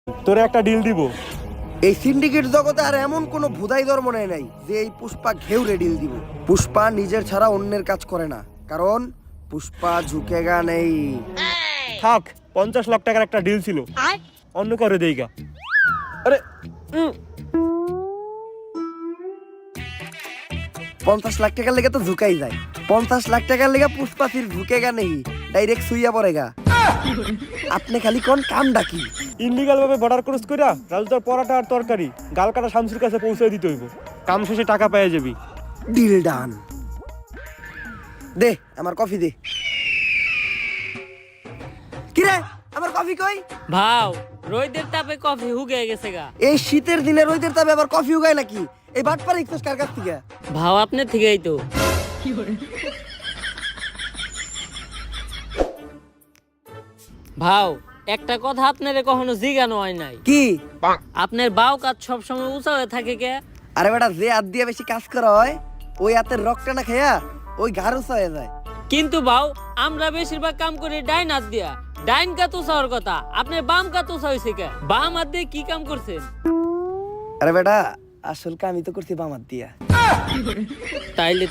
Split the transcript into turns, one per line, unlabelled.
তোরে একটা ডিল দিব।
এই সিন্ডিকেট জগতে আর এমন কোনো ভুদাই ধর্ম নাই যে এই পুষ্পা ঘেউরে ডিল দিব। পুষ্পা নিজের ছাড়া অন্যের কাজ করে না, কারণ পুষ্পা ঝুঁকেগা নেই।
থাক, 50 লাখ টাকার একটা ডিল ছিল, অন্য করে দেইগা। আরে
50 লাখ টাকার লেগে তো ঝুঁকাই যায়। 50 লাখ টাকার লেগে পুষ্পা ফির ঝুঁকেগা নেই, ডাইরেক্ট সুইয়া পড়েগা। আপনি খালি কোন কাম ডাকি
ইনলিগাল ভাবে বর্ডার ক্রস কইরা রাজুদার পরাটা আর তরকারি গাল কাটা শামসুর কাছে পৌঁছে দিতে হইব। কাম শেষে টাকা পেয়ে যাবি।
Deal done. দে আমার কফি দে। কিরে আমার কফি কই?
ভাও রোদের তাপে কফি হুগে গেছে গা।
এই শীতের দিনে রোদের তাপে আবার কফি উগায় নাকি? এই বাটপার ইকছস কার কাছ থেকে?
ভাও আপনার থেকেই তো। ভাও একটা কথা আপনারে কখনো জিজ্ঞানো হয় নাই,
কি?
আপনার বাউ কাজ সবসময় উঁচা হয়ে থাকে কে?
আরে বেটা, যে হাত দিয়ে বেশি কাজ করা হয় ওই হাতের রক্তটা না খেয়া ওই ঘাড় উঁচা হয়ে যায়।
কিন্তু ভাও আমরা বেশিরভাগ কাম করি ডাইন হাত দিয়া। ডাইন কাত উঁচা হওয়ার কথা, আপনার বাম কাত উঁচা হয়েছে কে? বাম হাত দিয়ে কি কাম করছেন?
আরে বেটা, আসল কামই তো করছি বাম হাত দিয়া।
তাইলে